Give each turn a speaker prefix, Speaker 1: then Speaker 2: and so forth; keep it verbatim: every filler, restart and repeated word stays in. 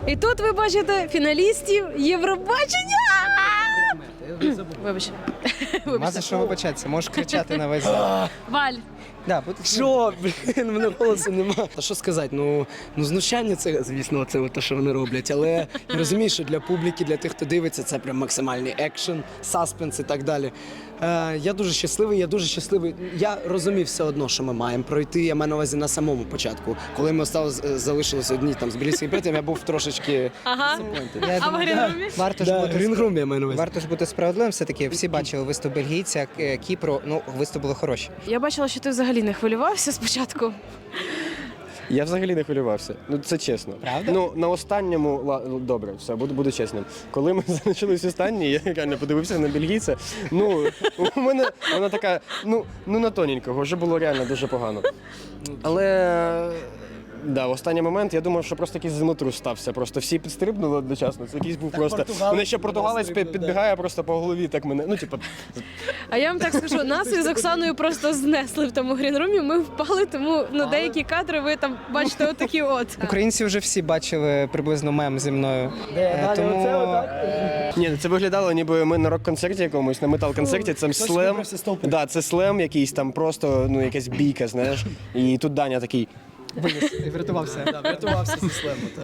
Speaker 1: І тут ви бачите фіналістів Євробачення. Вибач.
Speaker 2: Нема за що вибачатися, можеш кричати на весь зал.
Speaker 1: Валь.
Speaker 2: Да, будь-
Speaker 3: Що, блін, в мене голосу нема. Та що сказати, ну, ну знущання це, звісно, це те, що вони роблять, але я розумію, що для публіки, для тих, хто дивиться, це прям максимальний екшен, саспенс і так далі. Е, я дуже щасливий, я дуже щасливий. Я розумів все одно, що ми маємо пройти, я маю на увазі на самому початку. Коли ми осталось, залишилися одні там з Білійським братом, я був трошечки...
Speaker 1: Ага.
Speaker 2: Я
Speaker 1: А в
Speaker 2: думаю,
Speaker 1: Грінрумі?
Speaker 2: Варто ж
Speaker 3: Да,
Speaker 2: бути
Speaker 3: Грінгрум я маю на увазі.
Speaker 2: Варто ж бути справедливим, все-таки всі бачили виступ бельгійця, К- Кіпру, ну, виступ були хороші.
Speaker 1: Я бачила, що ти взагалі не хвилювався спочатку.
Speaker 4: Я взагалі не хвилювався. Ну це чесно.
Speaker 2: Правда?
Speaker 4: Ну на останньому ла- ну, добре, все, буду, буду чесним. Коли ми залишились останні, я реально подивився на бельгійця. Ну у мене вона така, ну ну на тоненького, вже було реально дуже погано. Але да, в останній момент я думав, що просто якийсь землетрус стався. Просто всі підстрибнули одночасно. Це якийсь був просто. Мене ще португалець під- підбігає просто по голові, так мене. Ну, типу,
Speaker 1: А я вам так скажу, нас із Оксаною просто знесли в тому Грінрумі, ми впали, тому ну, деякі кадри ви там бачите отакі от.
Speaker 2: Українці вже всі бачили приблизно мем зі мною. Е, Тому
Speaker 4: ні, це виглядало, ніби ми на рок-концерті якомусь, на метал-концерті. Це слем. Да, це слем якийсь там просто, ну, якась бійка, знаєш. І тут Даня такий.
Speaker 2: врятувався.
Speaker 3: Врятувався зі слему.